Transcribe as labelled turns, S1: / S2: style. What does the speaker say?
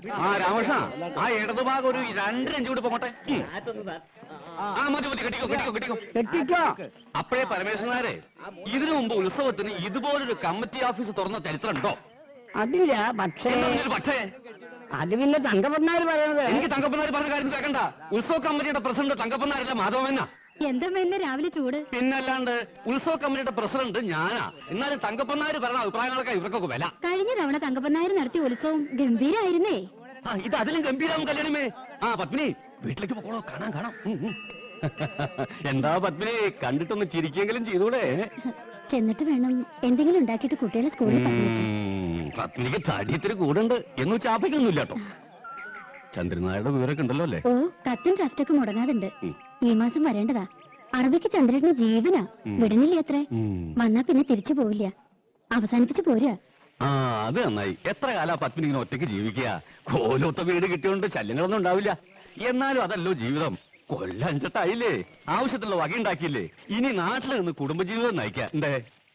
S1: ആ രാമകൃഷ്ണ, ആ ഇടതുഭാഗം ഒരു 2 ഇഞ്ച് കൂടി പോകട്ടെ. ആ മതി മതി, കെട്ടിക്കോ കെട്ടിക്കോ കെട്ടിക്കോ
S2: കെട്ടിക്കോ.
S1: അപ്പോഴേ പരമേശ്വരനാരെ, ഇതിനു മുമ്പ് ഉത്സവത്തിന് ഇതുപോലൊരു കമ്മിറ്റി ഓഫീസ് തുറന്ന ചരിത്രം ഉണ്ടോ?
S2: അതില്ല. പക്ഷേ
S1: പക്ഷേ
S2: അത് പിന്നെ തങ്കപ്പന്നാര് പറയണത്.
S1: എനിക്ക് തങ്കപ്പനാർ പറഞ്ഞ കാര്യം കേൾക്കണ്ട. ഉത്സവ കമ്മിറ്റിയുടെ പ്രസിഡന്റ് തങ്കപ്പനാരല്ല, മാധവമെന്നാ.
S3: എന്താ എന്നെ രാവിലെ ചൂട്?
S1: പിന്നല്ലാണ്ട് ഉത്സവ കമ്മിറ്റിയുടെ പ്രസിഡന്റ് ഞാനാ. എന്നാലും തങ്കപ്പനാര് പറഞ്ഞ അഭിപ്രായങ്ങളൊക്കെ ഇവർക്കൊക്കെ വില.
S3: കഴിഞ്ഞ തവണ തങ്കപ്പനായർ നടത്തിയ ഉത്സവം ഗംഭീരായിരുന്നേ.
S1: ആ ഇത് അതിലും ഗംഭീരാവും കല്യാണമേ. ആ പത്മിനി, വീട്ടിലേക്ക് പോകണോ? കാണാം കാണാം. എന്താ പത്മിനി, കണ്ടിട്ടൊന്ന് ചിരിക്കെങ്കിലും ചെയ്തൂടെ?
S3: ചെന്നിട്ട് വേണം എന്തെങ്കിലും ഉണ്ടാക്കിയിട്ട് കുട്ടികളെ സ്കൂളിൽ പറഞ്ഞേക്കാൻ.
S1: പത്മിനിക്ക് തടിയത്തിന് കൂടുണ്ട് എന്ന് ചാപ്പിക്കൊന്നുമില്ല കേട്ടോ. ചന്ദ്രനായുടെ വിവരമൊക്കെ ഉണ്ടല്ലോ അല്ലേ?
S3: ഓ, കത്തും ഡ്രാഫ്റ്റൊക്കെ മുടങ്ങാതുണ്ട്. ഈ മാസം വരേണ്ടതാ. അറബിക്ക് ചന്ദ്രന് ജീവനാ. വിടണില്ലേ അത്രേ. വന്നാ പിന്നെ തിരിച്ചു പോവില്ല. അവസാനിപ്പിച്ചു പോരാ.
S1: ആ അത് നന്നായി. എത്ര കാലാ പത്മിനി ഇങ്ങനെ ഒറ്റയ്ക്ക് ജീവിക്കുക? കോലൊത്ത വീട് കിട്ടിയോണ്ട് ശല്യങ്ങളൊന്നും ഉണ്ടാവില്ല. എന്നാലും അതല്ലോ ജീവിതം. കൊല്ലഞ്ചട്ടായില്ലേ, ആവശ്യത്തിലുള്ള വകയുണ്ടാക്കിയില്ലേ. ഇനി നാട്ടിൽ നിന്ന് കുടുംബജീവിതം നയിക്കാം. എന്തേ?